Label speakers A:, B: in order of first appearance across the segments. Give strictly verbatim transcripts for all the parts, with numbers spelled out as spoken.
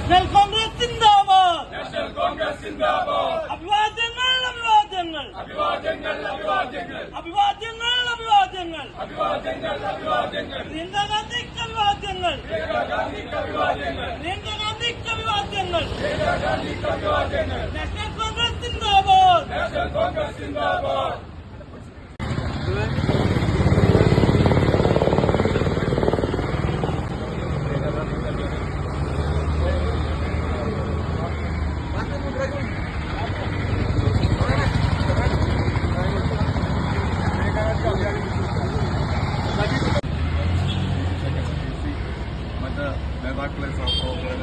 A: National Congress സിന്ദാബാദ്.
B: നാഷണൽ കോൺഗ്രസ് സിന്ദാബാദ്.
A: അഭിവാദ്യങ്ങൾ അഭിവാദ്യങ്ങൾ
B: അഭിവാദ്യങ്ങൾ അഭിവാദ്യങ്ങൾ
A: അഭിവാദ്യങ്ങൾ അഭിവാദ്യങ്ങൾ
B: അഭിവാദ്യങ്ങൾ അഭിവാദ്യങ്ങൾ
A: പ്രിയങ്ക ഗാന്ധിക്ക് അഭിവാദ്യങ്ങൾ
B: പ്രിയങ്ക ഗാന്ധിക്ക് അഭിവാദ്യങ്ങൾ
A: പ്രിയങ്ക ഗാന്ധിക്ക് അഭിവാദ്യങ്ങൾ
B: പ്രിയങ്ക ഗാന്ധിക്ക് അഭിവാദ്യങ്ങൾ.
A: നാഷണൽ കോൺഗ്രസ് സിന്ദാബാദ്.
B: നാഷണൽ കോൺഗ്രസ് സിന്ദാബാദ്. മറ്റ് നേതാക്കളെ സഹപ്രവർത്തകരെ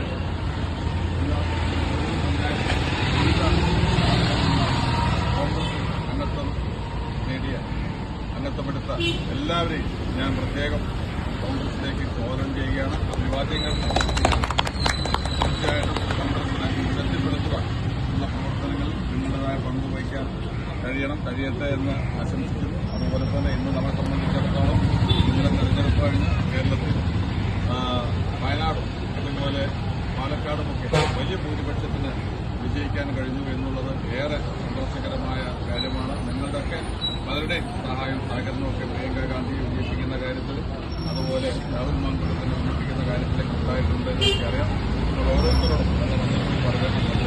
B: കോൺഗ്രസ് അംഗത്വം നേടിയ അംഗത്വമെടുത്ത എല്ലാവരെയും ഞാൻ പ്രത്യേകം കോൺഗ്രസിലേക്ക് സ്വാഗതം ചെയ്യുകയാണ്. അഭിവാദ്യങ്ങൾ തീർച്ചയായിട്ടും കോൺഗ്രസിനെ ശക്തിപ്പെടുത്തുക എന്ന പ്രവർത്തനങ്ങളിൽ നിങ്ങളുടേതായ പങ്ക് വഹിക്കാൻ കഴിയണം, കഴിയട്ടെ എന്ന് ആശംസിക്കുന്നു. അതുപോലെ തന്നെ ഇന്ന് നമ്മെ സംബന്ധിച്ചിടത്തോളം ഇന്നലെ തെരഞ്ഞെടുപ്പ് കഴിഞ്ഞ് കേരളത്തിൽ വയനാടും അതുപോലെ പാലക്കാടുമൊക്കെ വലിയ ഭൂരിപക്ഷത്തിന് വിജയിക്കാൻ കഴിഞ്ഞു എന്നുള്ളത് ഏറെ സന്തോഷകരമായ കാര്യമാണ്. നിങ്ങളുടെയൊക്കെ പലരുടെയും സഹായം സഹകരണമൊക്കെ പ്രിയങ്ക ഗാന്ധിയെ വിജയിപ്പിക്കുന്ന കാര്യത്തിൽ അതുപോലെ രാഹുൽ മാങ്കുളത്തിനെ വിജയിപ്പിക്കുന്ന കാര്യത്തിലേക്ക് ഉണ്ടായിട്ടുണ്ട് എന്ന് എനിക്കറിയാം. നിങ്ങൾ ഓരോരുത്തരോടും നല്ല നന്ദി പറയാൻ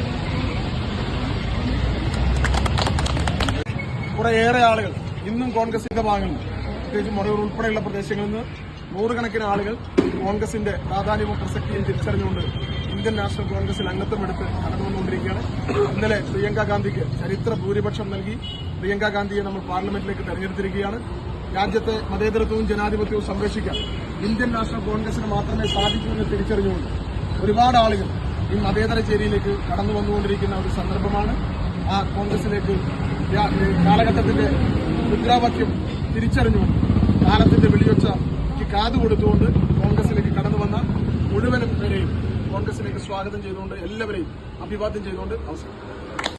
C: കുറേയേറെ ആളുകൾ ഇന്നും കോൺഗ്രസിന്റെ ഭാഗങ്ങളിൽ പ്രത്യേകിച്ച് മൊറയൂർ ഉൾപ്പെടെയുള്ള പ്രദേശങ്ങളിൽ നിന്ന് നൂറുകണക്കിന് ആളുകൾ കോൺഗ്രസിന്റെ പ്രാധാന്യവും പ്രസക്തിയും തിരിച്ചറിഞ്ഞുകൊണ്ട് ഇന്ത്യൻ നാഷണൽ കോൺഗ്രസിൽ അംഗത്വമെടുത്ത് കടന്നുവന്നുകൊണ്ടിരിക്കുകയാണ്. ഇന്നലെ പ്രിയങ്ക ഗാന്ധിക്ക് ചരിത്ര ഭൂരിപക്ഷം നൽകി പ്രിയങ്ക ഗാന്ധിയെ നമ്മൾ പാർലമെന്റിലേക്ക് തെരഞ്ഞെടുത്തിരിക്കുകയാണ്. രാജ്യത്തെ മതേതരത്വവും ജനാധിപത്യവും സംരക്ഷിക്കാൻ ഇന്ത്യൻ നാഷണൽ കോൺഗ്രസിന് മാത്രമേ സാധിക്കൂ എന്ന് തിരിച്ചറിഞ്ഞുകൊണ്ട് ഒരുപാട് ആളുകൾ ഈ മതേതര ചേരിയിലേക്ക് കടന്നു വന്നുകൊണ്ടിരിക്കുന്ന ഒരു സന്ദർഭമാണ്. ആ കോൺഗ്രസിലേക്ക് കാലഘട്ടത്തിന്റെ മുദ്രാവാക്യം തിരിച്ചറിഞ്ഞുകൊണ്ട് കാലത്തിന്റെ വെളിയൊച്ചയ്ക്ക് കാതു കൊടുത്തുകൊണ്ട് കോൺഗ്രസിലേക്ക് കടന്നു വന്ന മുഴുവനും പേരെയും കോൺഗ്രസിലേക്ക് സ്വാഗതം ചെയ്തുകൊണ്ട് എല്ലാവരെയും അഭിവാദ്യം ചെയ്തുകൊണ്ട് അവസാനം